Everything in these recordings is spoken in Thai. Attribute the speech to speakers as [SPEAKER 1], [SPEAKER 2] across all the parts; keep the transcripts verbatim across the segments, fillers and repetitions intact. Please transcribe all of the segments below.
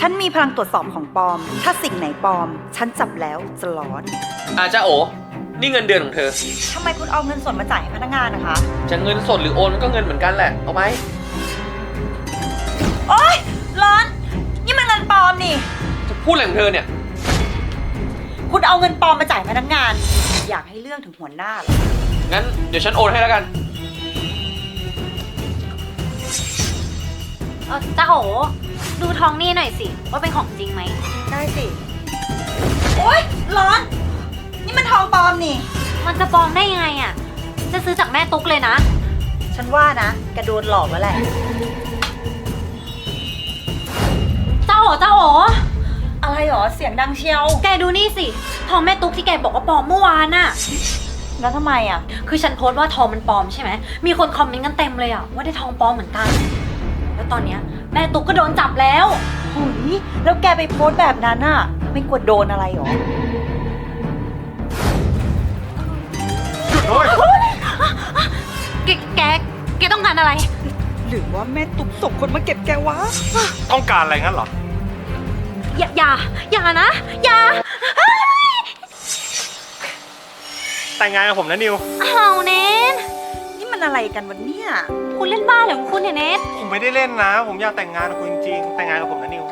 [SPEAKER 1] ฉันมีพลังตรวจสอบของปลอม ถ้าสิ่งไหนปลอม ฉันจับแล้วจะร้อน
[SPEAKER 2] อาจ้าโอนี่เงินเดือนของเธอ
[SPEAKER 1] ทำไมคุณเอาเงินสดมาจ่ายให้พนักงานนะคะ
[SPEAKER 2] จะเงินสดหรือโอนมันก็เงินเหมือนกันแหละ เอาไหม
[SPEAKER 1] โอ๊ย ร้อน นี่มันเงินปลอมนี่
[SPEAKER 2] จะพูดอะไรของเธอเนี่ย
[SPEAKER 1] คุณเอาเงินปลอมมาจ่ายพนักงาน อยากให้เรื่องถึงหัวหน้าเหรอ
[SPEAKER 2] งั้นเดี๋ยวฉันโอนให้แล้วกัน
[SPEAKER 3] เออจ้าโอดูทองนี่หน่อยสิว่าเป็นของจริงไหม
[SPEAKER 1] ได้สิ โอ๊ย ร้อน นี่มันทองปลอมนี่
[SPEAKER 3] มันจะปลอมได้ยังไงอ่ะจะซื้อจากแม่ตุ๊กเลยนะ
[SPEAKER 1] ฉันว่านะแกโดนหลอกแล้วแหละ
[SPEAKER 3] จ้าโอจ้าโอ
[SPEAKER 1] อะไรหรอ เสียงดังเชียว
[SPEAKER 3] แกดูนี่สิทองแม่ตุ๊กที่แกบอกว่าปลอมเมื่อวานน่ะ
[SPEAKER 1] แล้วทำไมอ่ะ
[SPEAKER 3] คือฉันโพสต์ว่าทองมันปลอมใช่ไหมมีคนคอมเมนต์กันเต็มเลยอ่ะว่าได้ทองปลอมเหมือนกัน แล้วตอนเนี้ยแม่ตุ๊กก็โดนจับแล้ว
[SPEAKER 1] หุยแล้วแกไปโพสต์แบบนั้นอ่ะ ไม่กลัวโดนอะไรหรอ
[SPEAKER 4] หยุดด้วย
[SPEAKER 3] แกแกแกต้องการอะไร
[SPEAKER 1] หรือว่าแม่ตุ๊กส่งคนมาเก็บแกวะ
[SPEAKER 4] ต้องการอะไรงั้นเหรอ
[SPEAKER 3] อย่าอย่าอย่านะอย่า
[SPEAKER 4] แต่งงานกับผมนะนิว
[SPEAKER 3] เอาเนท
[SPEAKER 1] นี่มันอะไรกันวันเนี้ย
[SPEAKER 3] คุณเล่นบ้าเหรอของคุณเนี่ยเนท
[SPEAKER 4] ผมไม่ได้เล่นนะ ผมอยากแต่งงานกับคุณจริงๆแต่งงานกับผมนะนิว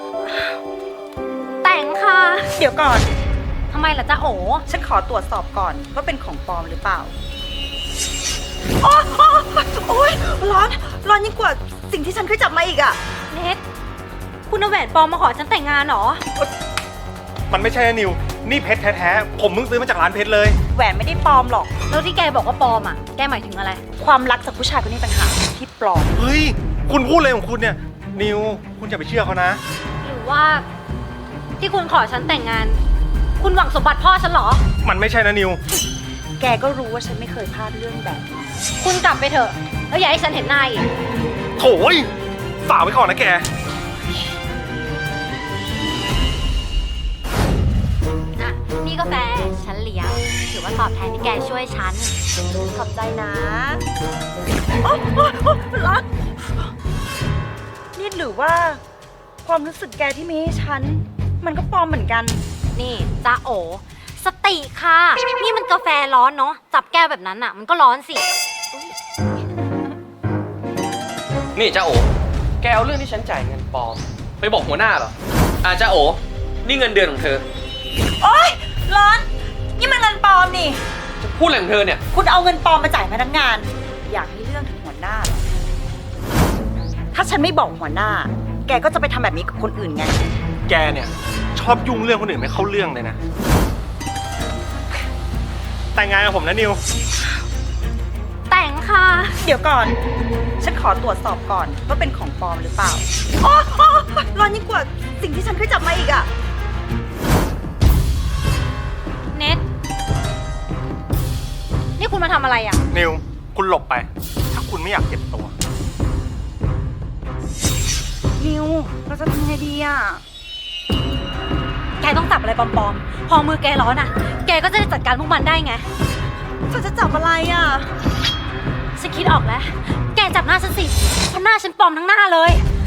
[SPEAKER 3] แต่งค่ะ
[SPEAKER 1] เดี๋ยวก่อน
[SPEAKER 3] ทำไมล่ะจ๊ะโอ
[SPEAKER 1] ฉันขอตรวจสอบก่อนว่าเป็นของปลอมหรือเปล่าโอ๊ยโอ๊ยโอ๊ยร้อน ร้อนยิ่งกว่าสิ่งที่ฉันเคยจับมาอีกอ่ะ
[SPEAKER 3] เนทคุณเอาแหวนปลอมมาขอฉันแต่งงานเหรอ
[SPEAKER 4] มันไม่ใช่นะนิว นี่เพชรแท้ๆ ผมเพิ่งซื้อมาจากร้านเพชรเลย
[SPEAKER 1] แหวนไม่ได้ปลอมหรอก
[SPEAKER 3] แล้วที่แกบอกว่าปลอมอ่ะ แกหมายถึงอะไร
[SPEAKER 1] ความรักจากผู้ชายคนนี้ต่างหากที่ปลอม
[SPEAKER 4] เฮ้ย คุณพูดอะไรของคุณเนี่ย นิว คุณอย่าไปเชื่อเขานะ
[SPEAKER 3] หรือว่า ที่คุณขอฉันแต่งงาน คุณหวังสมบัติพ่อฉันเหรอ
[SPEAKER 4] มันไม่ใช่นะนิว
[SPEAKER 1] แกก็รู้ว่าฉันไม่เคยพลาดเรื่องแบบนี้
[SPEAKER 3] คุณกลับไปเถอะ แล้วอย่าให้ฉันเห็นหน้าอีก
[SPEAKER 4] โถยฝากไว้ก่อนนะแก
[SPEAKER 3] อ่ะ นี่กาแฟฉันเลี้ยงถือว่าตอบแทนที่แกช่วยฉัน
[SPEAKER 1] ขอบใจนะโอ๊ยโอ๊ยโอ๊ยร้อนนี่หรือว่า ความรู้สึกแกที่มีให้ฉัน มันก็ปลอมเหมือนกัน
[SPEAKER 3] นี่จ้าโอ สติค่ะ นี่มันกาแฟร้อนเนาะ จับแก้วแบบนั้นอ่ะ มันก็ร้อนสิ
[SPEAKER 2] นี่จ้าโอ แกเอาเรื่องที่ฉันจ่ายเงินปลอม ไปบอกหัวหน้าเหรอ อาจ้าโอนี่เงินเดือนของเธอ
[SPEAKER 1] โอ๊ย ร้อน นี่มันเงินปลอมนี่
[SPEAKER 2] จะพูดอะไรของเธอเนี่ย
[SPEAKER 1] คุณเอาเงินปลอมมาจ่ายพนักงาน อยากให้เรื่องถึงหัวหน้าเหรอ ถ้าฉันไม่บอกหัวหน้า แกก็จะไปทำแบบนี้กับคนอื่นไง
[SPEAKER 4] แกเนี่ย ชอบยุ่งเรื่องคนอื่นไม่เข้าเรื่องเลยนะ แต่งงานกับผมนะนิว
[SPEAKER 3] แต่งค่ะ
[SPEAKER 1] เดี๋ยวก่อน ฉันขอตรวจสอบก่อนว่าเป็นของปลอมหรือเปล่าโอ๊ยโอ๊ยร้อนยิ่งกว่าสิ่งที่ฉันเคยจับมาอีกอะ
[SPEAKER 3] เน็ต นี่คุณมาทำอะไรอ่ะ
[SPEAKER 4] นิว คุณหลบไป ถ้าคุณไม่อยากเจ็บตัว
[SPEAKER 1] นิว เราจะทำไงดีอะ
[SPEAKER 3] แกต้องจับอะไรปลอมๆ พอมือแกร้อนอ่ะ แกก็จะได้จัดการพวกมันได้ไง
[SPEAKER 1] ฉันจะจับอะไรอะ
[SPEAKER 3] ฉันคิดออกแล้ว แกจับหน้าฉันสิเพราะหน้าฉันปลอมทั้งหน้าเลย